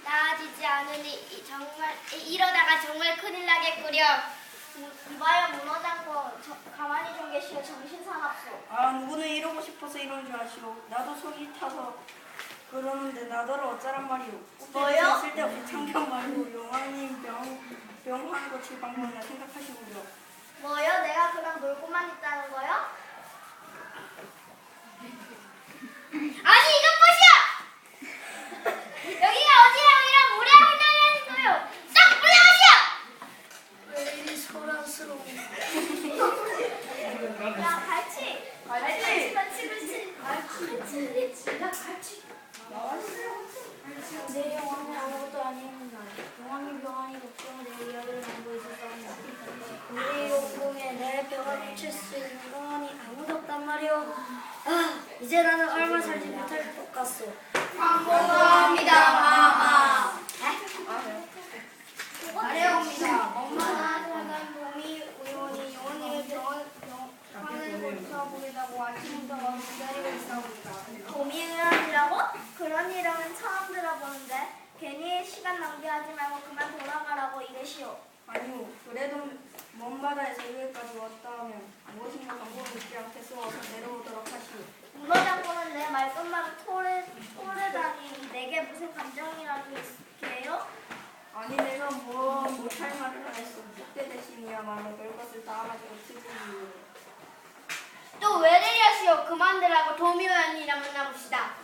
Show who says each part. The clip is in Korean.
Speaker 1: 나아지지 않으니 이러다가 정말 큰일 나겠구려.
Speaker 2: 이봐요 문어장군, 가만히 좀 계시오. 정신 사납소.
Speaker 3: 아, 누구는 이러고 싶어서 이런 줄 아시오. 나도 속이 타서 그러는데 나더러 어쩌란 말이오.
Speaker 2: 뭐요?
Speaker 3: 쓸데없이 참견 말고 용왕님 병환 고칠 방법이나 생각하시고요.
Speaker 2: 뭐요? 내가 그냥 놀고만 있다는 거요?
Speaker 1: 아니 이것 보시오! 여기가 어디라고 이런 무례한 행동을 하는 거요? 싹 물러가시오!
Speaker 2: 왜 이리 소란스러워? 야 갈치.
Speaker 3: 갈치!
Speaker 2: 내 영화는 아무것도 아닙니다. 영화님 병환이 걱정을 내 이야기를 나누고 있었답니다. 우리 용궁에 내 병을 붙일 수 있는 병환이 아무도 없단 말이오. 아, 이제 나는 얼마 살지 못할 것 같소.
Speaker 1: 황공합니다 마마.
Speaker 2: 아래옵니다. 엄마나 사는 봄이 의원이 영원님의 병환을 고쳐보겠다고 아침부터 와서 기다리고 있사옵니다. 봄이 의원이라고? 그런 이름은 처음 들어보는데 괜히 시간 낭비하지 말고 그만 돌아가라고 이르시오.
Speaker 3: 아니요, 그래도 먼 바다에서 여기까지 왔다 하면 무엇인가 방법이 있지 않겠소. 어서 내려오도록 하시오.
Speaker 2: 문어장군은 내 말끝마다 토르다니 내게 무슨 감정이라도 있게요?
Speaker 3: 아니, 내가 뭐 못할 말을 하겠소. 그때 대신이야말로 별것을 다 가지고 치부이요.
Speaker 1: 또 왜 내려시오? 그만들라고 도미호연이랑 만나봅시다.